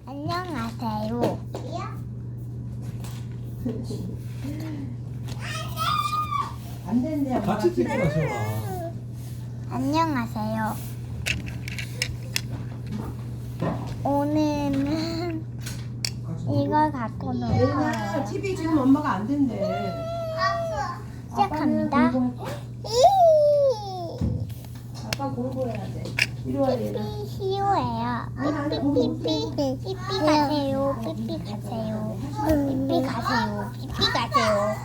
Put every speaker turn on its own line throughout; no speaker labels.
안녕하세요.
안 된대.
같이 찍어라 세훈아.
안녕하세요. 오늘은 이걸 갖고 놀
얘나
거예요.
TV 지금 엄마가 안 된대.
시작합니다.
아빠 공부해야 돼. 이리 와 얘나.
삐삐 시오예요. 삐삐삐삐 삐삐 가세요. 삐삐 가세요. 삐삐 가세요. 삐삐 가세요.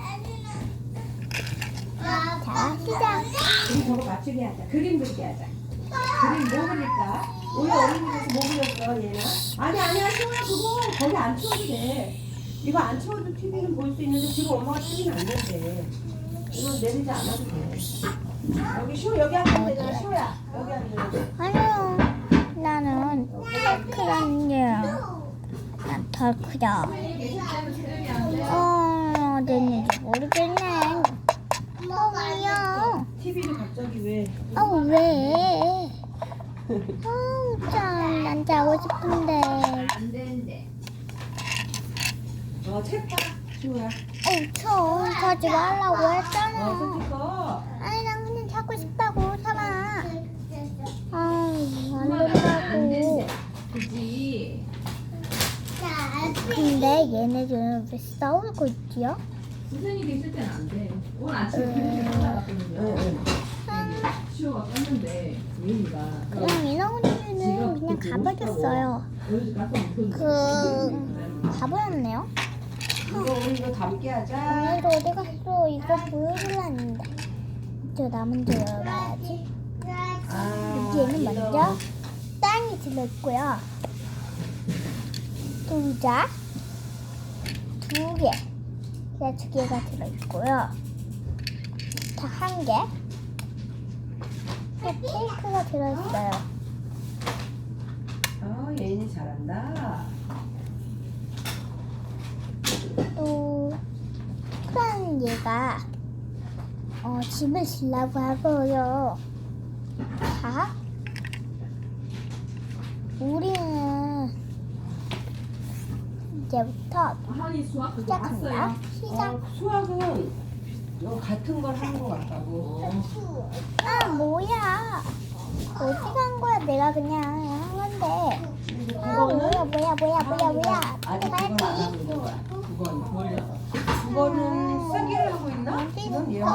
자, 시작.
우리 저거 맞추게 하자. 그림 그리게 하자. 그림 뭐 그릴까? 우리 어린이집에서 뭐 그렸어 얘나? 아니야 시원아 그거 거기 안 치워도 돼. 이거 안 치워도 TV는 볼 수 있는데 지금 엄마가 TV는 안 된대. 이건 내리지 않아도 돼. 여기 시호 여기 앉으면 되잖아 시호야. 여기 앉으면 돼.
아니요. 나는 크란 게더 크다. 어딘지 모르겠네. 왜요?
TV를 갑자기 왜?
왜? 참, 난 자고 싶은데.
안 되는데. 책 봐. 시호야.
자지 말라고 했잖아.
스티커.
아니, 난 그냥 자고 싶다고, 사라. 안 된다고.
그지.
근데 얘네들은 왜 싸우고 있지요?
선생님이 있을 때는 안 돼. 오늘 아침에 그렇게 올라갔거든요. 시호가 껐는데 예인이가
그냥 인어공주는 그냥 가버렸어요.
여기 가서 못
가버렸네요.
우리 이거 담게 하자.
오늘도 어디 갔어? 이거 보여주려는데. 저 나 먼저 열어봐야지. 여기에는 먼저 땅이 들어있고요. 동자 두 개, 두 개가 들어있고요. 다 한 개. 또 케이크가 들어있어요.
예인이 잘한다.
또 큰 얘가 집을 지려고 하고요. 자, 우리는 이제부터
한이 수학 그거
시작합니다.
봤어요.
시작.
수학은 너 같은 걸 하는 것 같다고.
뭐야? 어디 간 거야? 내가 그냥 한 건데.
그거는
뭐야?
아직 그걸 안 하고 있는 거야. 그거는 쓰기를 하고 있나? 지금 예언이?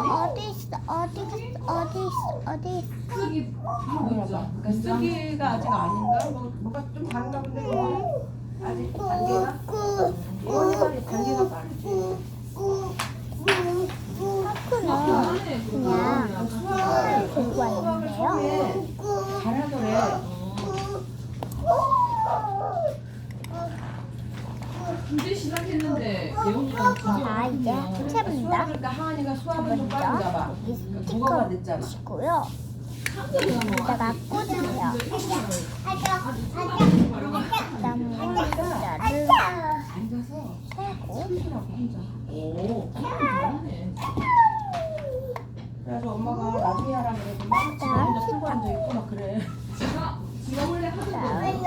어디
쓰기 하고
그러니까
있죠.
쓰기가 아직 아닌가? 뭐가 좀 다른가 본데 그거는? 아직 단계가? 예언이 빨리 단계가 빠르지.
하쿠는 그냥
수학을
들고 왔는데요.
처음에 잘하더래.
이제 시작했는데 예원이가
자, 이제 해봅니다.
수학을 그 하은이가 수학을 좀 빨리 잡아.
여기
국어가
스티커
늦잖아.
치고요. 여기다가 꽂으세요. 그다음에 글자를
앉아서
세고
치라고 혼자.
오, 잘하네.
그래서 엄마가 나중에 하라 그래도 막 지금 혼자 풀고 앉아 있고 막 그래.
지가 원래 하던 거.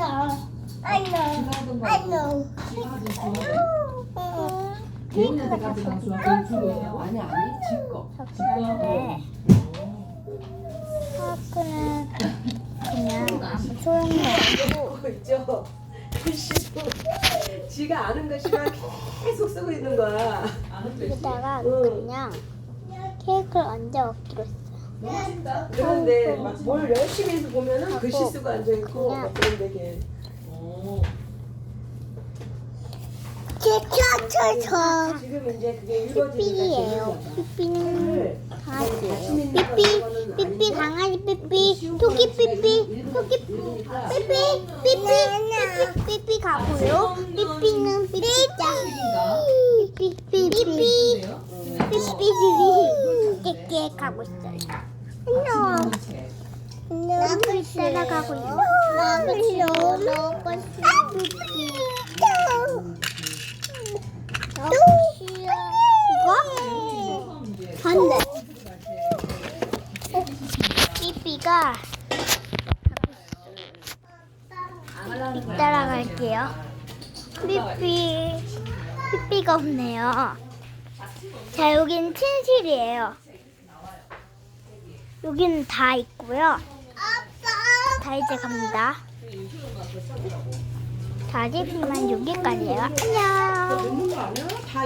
지가 하던 거.
지가 하던 수학. 예원이한테 가져간 수학 주고 있다고?
아니 지 거.
그런데 하쿠는 그냥 아무 소용이 없고
그거 있죠. 글씨도 지가 아는 글씨만 계속 쓰고 있는 거야.
아는 데
여기다가
응.
그냥 케이크를 얹어 먹기로 했어요.
너무 쉽다.
그런데 막 뭘 열심히 해서 보면은 글씨
하고
쓰고 앉아 있고
그냥
막 그런데 걔.
오.
지금 이제 그게 읽어지니까
삐삐예요. 삐삐는 강아지예요.
자신 있는 거 이거는
삐삐
아니고
강아지 삐삐 토끼 삐삐 토끼
읽으니까
삐삐 가고요. 삐삐는 삐삐짱 삐삐
그래요?
깨깨 가고 있어요. 안녕. 나를 따라가고 있어. 나를 먹고 싶어. 삐삐. 이거? 반대. 삐삐가 따라가고 나갈게요. 삐삐가 없네요. 자, 여기는 침실이에요. 여기는 다 있고요. 자, 이제 갑니다. 자, 집만 여기까지예요. 안녕.
넣는 거 아니야? 다